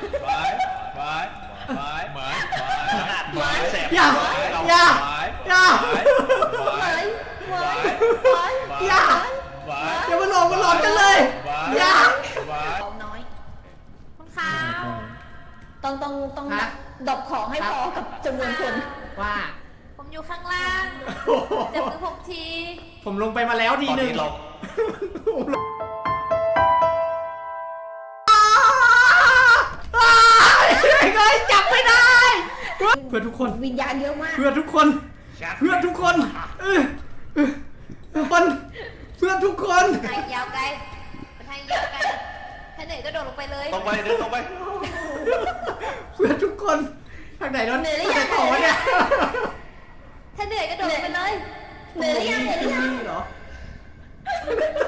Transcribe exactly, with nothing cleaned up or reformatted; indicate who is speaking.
Speaker 1: ไม้ไม้ไม้ไม้ไม้แสบ
Speaker 2: อย่าอย่าอย่า
Speaker 1: ไม้ไม้
Speaker 2: อย่าอย่ามาหลอกมาหลอกกันเลยอย่า
Speaker 1: ไม้
Speaker 3: ของน้อย
Speaker 4: คุณขาว
Speaker 3: ต้องต้องต้องดรอปของให้พอกับจำนวนคน
Speaker 2: ว่า
Speaker 4: ผมอยู่ข้างล่างจับมือผมที
Speaker 2: ผมลงไปมาแล้วที
Speaker 1: ตอน
Speaker 2: หนึ่ง
Speaker 1: นี้เรา
Speaker 2: เฮ้ยจับไม่ได้เพื่อทุกคน
Speaker 3: วิญญาณเยอะมาก
Speaker 2: เพื่อทุกคนเพื่อทุกคนเออคนเพื่อทุกคน
Speaker 4: ทางยาวไกลทางยาวไกลถ้าเหนื่อยก็โดดลงไปเลย
Speaker 1: ตรงไปเดินตรงไป
Speaker 2: เพื่อทุกคนทางไหนรถทางไหนต่อเนี่ย
Speaker 4: ถ้าเหนื่อยก็โดดลงไปเลย
Speaker 3: เหนื่อยหรือยังเหนื่อยหรือยัง
Speaker 2: เหรอ